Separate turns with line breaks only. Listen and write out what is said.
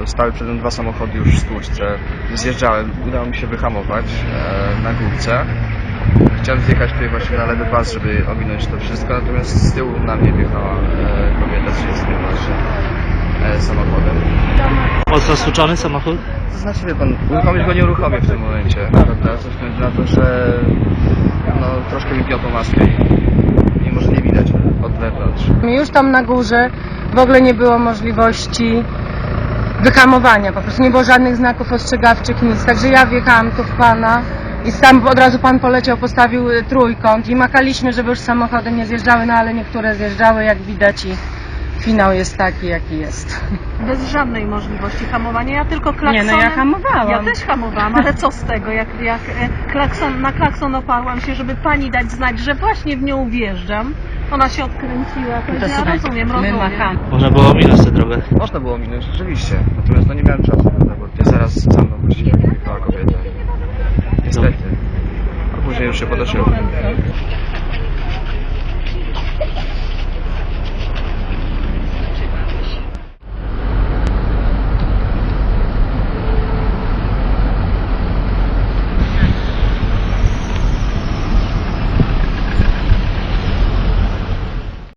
to stały przede mną dwa samochody już w stłuczce. Zjeżdżałem, udało mi się wyhamować na górce. Chciałem zjechać tutaj właśnie na lewy pas, żeby ominąć to wszystko, natomiast z tyłu na mnie wjechała kobieta z właśnie samochodem.
Mocno stłuczony samochód?
To znaczy, wie pan, uruchomić go nie uruchomię w tym momencie, prawda? Ze względu na to, że no, troszkę mi piotą maskę i może nie widać od wewnątrz.
Już tam na górze w ogóle nie było możliwości wyhamowania, po prostu nie było żadnych znaków ostrzegawczych, nic. Także ja wjechałam tu w pana i tam od razu pan poleciał, postawił trójkąt i makaliśmy, żeby już samochody nie zjeżdżały, no ale niektóre zjeżdżały, jak widać, i finał jest taki, jaki jest.
Bez żadnej możliwości hamowania, ja tylko klaksonem...
Nie, no ja hamowałam.
Ja też hamowałam, ale co z tego, jak na klakson oparłam się, żeby pani dać znać, że właśnie w nią wjeżdżam. Ona się odkręciła, to ja rozumiem.
Można było ominąć tę drogę.
Można było minąć, rzeczywiście, natomiast no nie miałem czasu, prawda, bo ty zaraz za mną właściwie wjechała kobieta. Niestety. A później już się podeszyło.